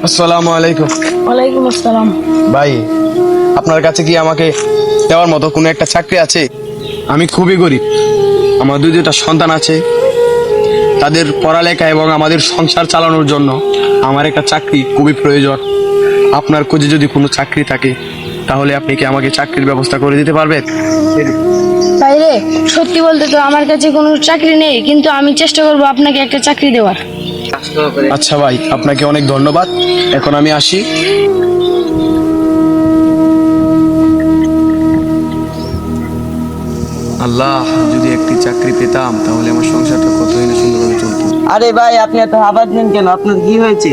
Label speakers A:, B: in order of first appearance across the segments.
A: আসসালামু আলাইকুম।
B: ওয়ালাইকুম আসসালাম।
A: ভাই, আপনার কাছে কি আমাকে দেওয়ার মতো কোনো একটা চাকরি আছে? আমি খুবই গরিব, আমার দুইটা সন্তান আছে, তাদের পড়ালেখা এবং আমাদের সংসার চালানোর জন্য আমার একটা চাকরি খুবই প্রয়োজন। আপনার খোঁজে যদি কোনো চাকরি থাকে তাহলে আপনি কি আমাকে চাকরির ব্যবস্থা করে দিতে পারবেন?
B: বাইরে সত্যি বলতে তো আমার কাছে কোনো চাকরি নেই, কিন্তু আমি চেষ্টা করব আপনাকে একটা চাকরি দেওয়ার।
A: আচ্ছা ভাই, আপনাকে অনেক ধন্যবাদ। এখন আমি আসি। আল্লাহ, যদি একটি চাকরি পেতাম তাহলে আমার সংসারটা কতই না সুন্দরভাবে চলতো।
C: আরে ভাই, আপনি এত আবাদ নেন কেন? আপনার কি হয়েছে?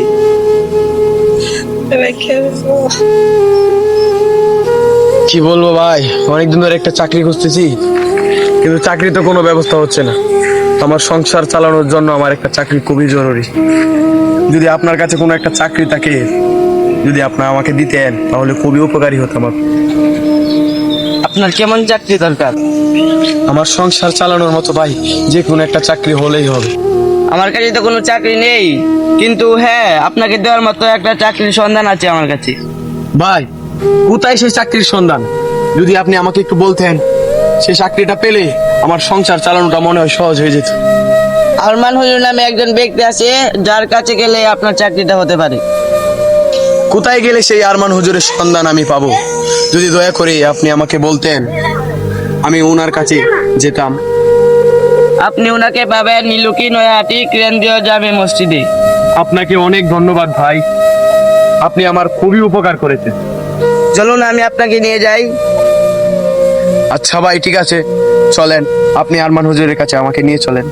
A: কি বলবো ভাই, অনেকদিন ধরে একটা চাকরি খুঁজতেছি, কিন্তু চাকরি তো কোনো ব্যবস্থা হচ্ছে না। আমার সংসার চালানোর জন্য আমার একটা চাকরি খুবই জরুরি। যদি আপনার কাছে কোনো একটা চাকরি থাকে, যদি আপনার আমাকে দিতেন তাহলে খুবই উপকারী হতো আমার।
C: আপনার কেমন চাকরি দরকার?
A: আমার সংসার চালানোর মতো ভাই, যে কোনো একটা চাকরি হলেই হবে।
C: আমার কাছে তো কোনো চাকরি নেই, কিন্তু হ্যাঁ, আপনাকে দেওয়ার মতো একটা চাকরির সন্ধান আছে আমার কাছে।
A: ভাই, কোথায় সেই চাকরির সন্ধান? যদি আপনি আমাকে একটু বলতেন, সেই চাকরিটা পেলে আমার সংসার চালানোটা মনে হয় সহজ হয়ে যেত।
C: আরমান হুজুর নামে একজন ব্যক্তি আছে, যার কাছে গেলে আপনার চাকরিটা হতে পারে।
A: কোথায় গেলে সেই আরমান হুজুরের সন্ধান আমি পাবো? যদি দয়া করে আপনি আমাকে বলতেন, আমি ওনার কাছে যেতাম।
C: আপনি ওনাকে পাবেন নীলুকি নয়াহাটি কেন্দ্রীয় জামে মসজিদে।
A: আপনাকে অনেক ধন্যবাদ ভাই, আপনি আমার খুবই উপকার করেছেন।
C: চলুন আমি আপনাকে নিয়ে যাই।
A: আচ্ছা ভাই, ঠিক আছে, চলেন। আপনি আরমান হুজুরের কাছে আমাকে নিয়ে চলেন।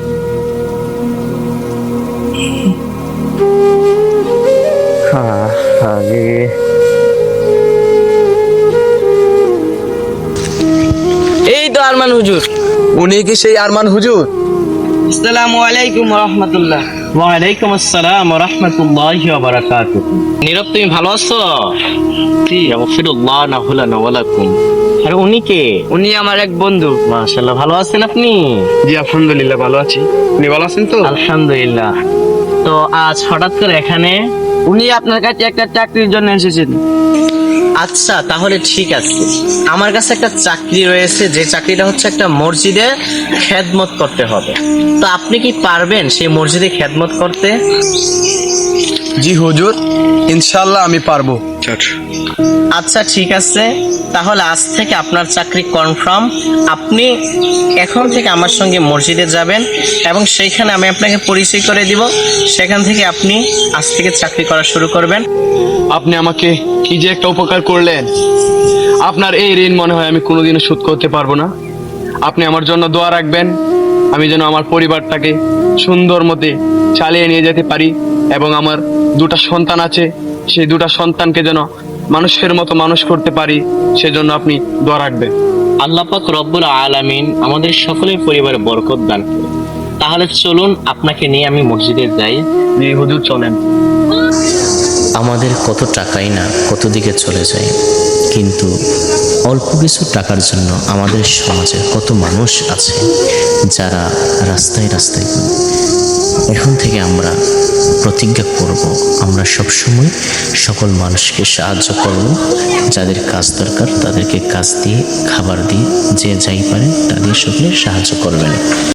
C: এই তো আরমান হুজুর।
A: উনি কি সেই আরমান হুজুর?
C: আসসালামু আলাইকুম রহমতুল্লাহ।
D: ওয়ালাইকুম আসসালাম ওয়া রাহমাতুল্লাহি ওয়া বারাকাতুহু। নীরব, তুমি ভালো আছো? জি, আগফিরুল্লাহ লানা ওয়া লাকুম। আরে উনি কে?
C: উনি আমার এক বন্ধু।
D: মাশাআল্লাহ, ভালো আছেন আপনি?
A: জি আলহামদুলিল্লাহ, ভালো আছি। আপনি ভালো আছেন তো?
D: আলহামদুলিল্লাহ। তো আজ হঠাৎ করে এখানে?
C: উনি আপনার কাছে একটা চাকরির জন্য এসেছেন।
D: আচ্ছা, তাহলে ঠিক আছে। আমার কাছে একটা চাকরি রয়েছে, যে চাকরিটা হচ্ছে একটা মসজিদে খেদমত করতে হবে। তো আপনি কি পারবেন সেই মসজিদে খেদমত করতে?
A: জি হুজুর, ইনশাআল্লাহ আমি পারবো।
D: আচ্ছা ঠিক আছে, তাহলে আজ থেকে আপনার চাকরি কনফার্ম। আপনি এখন থেকে আমার সঙ্গে মসজিদে যাবেন এবং সেইখানে আমি আপনাকে পরিচয় করে দিব। সেখান থেকে আপনি আজ থেকে চাকরি করা শুরু করবেন।
A: আপনি আমাকে কি যে একটা উপকার করলেন, আপনার এই ঋণ মনে হয় আমি কোনোদিনও শোধ করতে পারবো না। আপনি আমার জন্য দোয়া রাখবেন, আমি যেন আমার পরিবারটাকে সুন্দর মতে চালিয়ে নিয়ে যেতে পারি, এবং আমার দুটা সন্তান আছে, সেই দুটা সন্তানকে যেন মানুষের মতো মানুষ করতে পারি, সেজন্য আপনি দোয়া রাখবেন।
D: আল্লাহ পাক রব্বুল আলামিন আমাদের সকলের পরিবারে বরকত দান করুন। তাহলে চলুন, আপনাকে নিয়ে আমি মসজিদে যাই।
A: জি হুজুর, চলেন।
E: আমাদের কত টাকাই না কত দিকে চলে যায়, কিন্তু অল্প কিছু টাকার জন্য আমাদের সমাজে কত মানুষ আছে যারা রাস্তায় রাস্তায় ঘুরে। এখন থেকে আমরা প্রতিজ্ঞা করব, আমরা সবসময় সকল মানুষকে সাহায্য করব। যাদের কাজ দরকার তাদেরকে কাজ দিয়ে, খাবার দিয়ে, যে যাই পারে তা দিয়ে সকলে সাহায্য করবেন।